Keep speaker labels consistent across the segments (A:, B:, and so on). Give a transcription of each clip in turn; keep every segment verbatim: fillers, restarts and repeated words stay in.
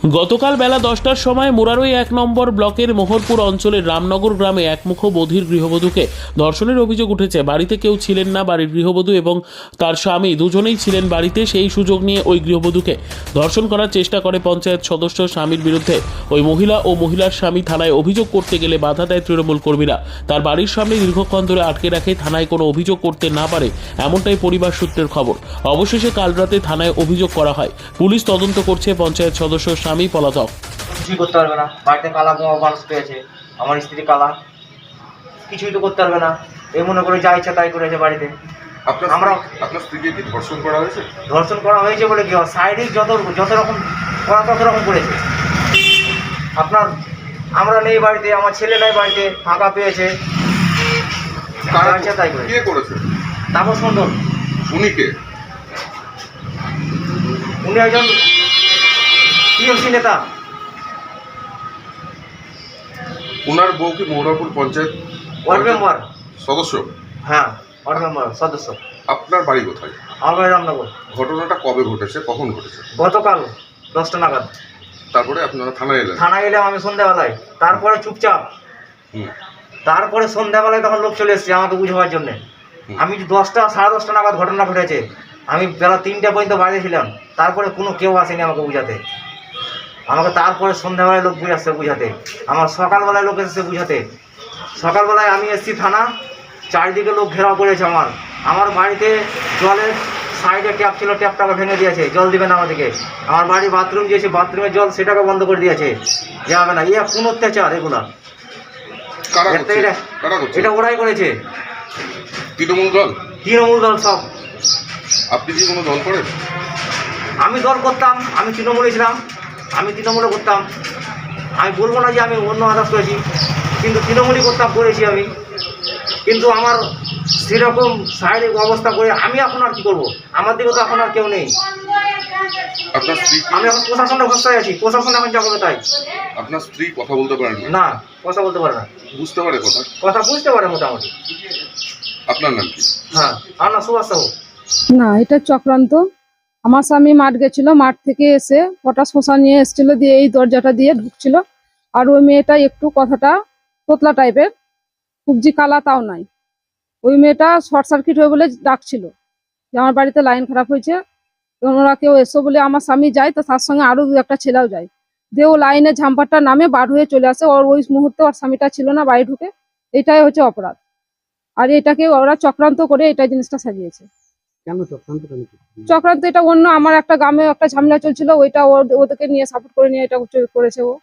A: গতকাল বেলা দশটার সময় মুরারই এক নম্বর ব্লকের মোহরপুর অঞ্চলের রামনগর গ্রামে একমুখ বধির গৃহবধূকে ধর্ষণের অভিযোগ উঠেছে। বাড়িতে কেউ ছিলেন না। বাড়ির গৃহবধূ এবং তার স্বামী দুজনেই ছিলেন বাড়িতে। সেই সুযোগ নিয়ে ওই গৃহবধূকে ধর্ষণ করার চেষ্টা করে পঞ্চায়েত সদস্য। স্বামীর বিরুদ্ধে ওই মহিলা ও মহিলার স্বামী থানায় অভিযোগ করতে গেলে বাধা দেয় তৃণমূল কর্মীরা। তার বাড়ির সামনে দীর্ঘক্ষণ ধরে আটকে রাখে, থানায় কোনো অভিযোগ করতে না পারে এমনটাই পরিবার সূত্রের খবর। অবশেষে কাল রাতে থানায় অভিযোগ করা হয়। পুলিশ তদন্ত করছে। পঞ্চায়েত সদস্য স্বামী পলাতক।
B: কিছুই করতে পারবে না। বাড়িতে কালা বোমা মানুষ পেয়েছে, আমার স্ত্রী কালা, কিছুই তো করতে পারবে না। এই মনে করে যা ইচ্ছা তাই করেছে বাড়িতে।
C: আপনার
B: আমরা
C: আপনার স্ত্রীকে কি ধর্ষণ করা হয়েছে?
B: ধর্ষণ করা হয়েছে বলে কি হয়, শারীরিক যত যত রকম করা তত রকম করেছে। আপনার আমরা নেই বাড়িতে, আমার ছেলে নেই বাড়িতে, ফাঁকা পেয়েছে,
C: কারা
B: যা ইচ্ছা তাই করেছে।
C: কে করেছে?
B: তাপস মণ্ডল,
C: উনি কে?
B: উনি একজন টিএমসি নেতা।
C: ওনার বউ কি মৌরাপুর পঞ্চায়েত
B: ওয়ার্ড মেম্বার
C: সদস্য?
B: হ্যাঁ, ওয়ার্ড মেম্বার সদস্য।
C: আপনার বাড়ি কোথায়?
B: আমার বাড়ি রামনগর।
C: ঘটনাটা কবে ঘটেছে, কখন ঘটেছে?
B: গতকাল দশটা নাগাদ
C: তারপরে আপনারা থানায় এলেন?
B: থানায় এলাম আমি সন্ধ্যাবেলায়। তারপরে চুপচাপ,
C: হুম।
B: তারপরে সন্ধ্যাবেলায় তখন লোক চলে এসেছে আমাকে বুঝাবার জন্যে।
C: হুম।
B: আমি দশটা সাড়ে দশটা নাগাদ ঘটনা ঘটেছে, আমি বেলা তিনটা পর্যন্ত বাইরে ছিলাম। তারপরে কোনো কেউ আসেনি আমাকে বুঝাতে। আমাকে তারপরে সন্ধ্যাবেলায় লোক বুঝে আসছে বুঝাতে, আমার সকালবেলায় লোক এসেছে বুঝাতে। সকালবেলায় আমি এসেছি থানা, চারিদিকে লোক ঘেরাও করেছে আমার। আমার বাড়িতে জলের সাইডে ট্যাপ ছিল, ট্যাপটাকে ভেঙে দিয়েছে, জল দিবে না আমাদেরকে। আমার বাড়ি বাথরুম দিয়েছে, বাথরুমের জল সেটাকে বন্ধ করে দিয়েছে, যাবে না। ইয়ে কোন অত্যাচার এগুলা?
C: কারা
B: এটা
C: করছে? কারা করছে?
B: এটা ওরাই করেছে,
C: তৃণমূল দল?
B: তৃণমূল দল সব।
C: আপনি কি কোনো দল করেন?
B: আমি দল করতাম, আমি তৃণমূলে ছিলাম, আমি তৃণমূলে করতাম। আমি বলবো না যে আমি অন্য আদার্স করেছি, কিন্তু তৃণমূলই করতাম, করেছি আমি। কিন্তু আমার সেরকম শারীরিক অবস্থা করে আমি এখন আর কি করবো? আমার দিকে তো এখন আর কেউ নেই।
C: আপনার স্ত্রী
B: আমি এখন প্রশাসনের ভরসায় আছি, প্রশাসন এখন যা করবে তাই।
C: আপনার স্ত্রী কথা বলতে পারেন না?
B: না, কথা বলতে পারে না।
C: বুঝতে পারে কথা?
B: কথা বুঝতে পারে মোটামুটি।
C: আপনার নাম কি?
B: হ্যাঁ, আর না সুভাষ সাহু।
D: না, এটা চক্রান্ত। আমার স্বামী মাঠ গেছিল, মাঠ থেকে এসে পটাশ মশা নিয়ে এসেছিল, দিয়ে এই দরজাটা দিয়ে ঢুকছিল। আর ওই মেয়েটা একটু কথাটা তোতলা টাইপের, কুবজি কালা তাও নাই। ওই মেয়েটা শর্ট সার্কিট হয়ে বলে ডাকছিল যে আমার বাড়িতে লাইন খারাপ হয়েছে, ওরা কেউ এসো বলে আমার স্বামী যায়, তো তার সঙ্গে আরো দু একটা ছেলেও যায়। দিয়ে ও লাইনে ঝাম্পারটা নামে বার হয়ে চলে আসে। ওর ওই মুহূর্তে ওর স্বামীটা ছিল না, বাড়ি ঢুকে। এটাই হচ্ছে অপরাধ। আর এটাকে ওরা চক্রান্ত করে এটা জিনিসটা সাজিয়েছে।
E: কেন চক্রান্ত কেন?
D: চক্রান্ত এটা অন্য, আমার একটা গ্রামে একটা ঝামেলা চলছিল, ওইটা ওদেরকে নিয়ে সাপোর্ট করে নিয়ে এটা করেছে ও।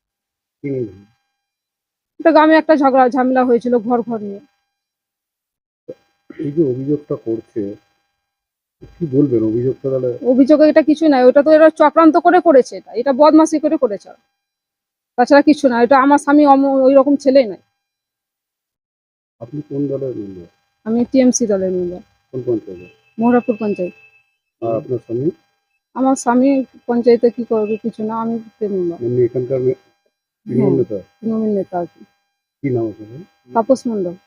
D: এটা গ্রামে একটা ঝগড়া ঝামেলা হয়েছিল ঘর ঘর নিয়ে।
E: এই যে অভিযোগটা করছে, কি বলবেন অভিযোগটা? তাহলে
D: অভিযোগে এটা কিছু নাই, ওটা তো এরা চক্রান্ত করে করেছে, এটা এটা বদমাশি করে করেছে, তাছাড়া কিছু না। এটা আমার স্বামী ওই রকম ছেলেই নাই।
E: আপনি কোন দলের মেম্বার?
D: আমি টিএমসি দলের মেম্বার,
E: কোন পঞ্চায়েত?
D: মোহরাপুর পঞ্চায়েত।
E: আর আপনার স্বামী?
D: আমার স্বামী পঞ্চায়েতে কি করবে কিছু না, আমি মেম্বার।
E: এমনি এখানকার তৃণমূল নেতা?
D: তৃণমূল নেতা আর কি।
E: কি নাম আপনার?
D: তাপস মণ্ডল।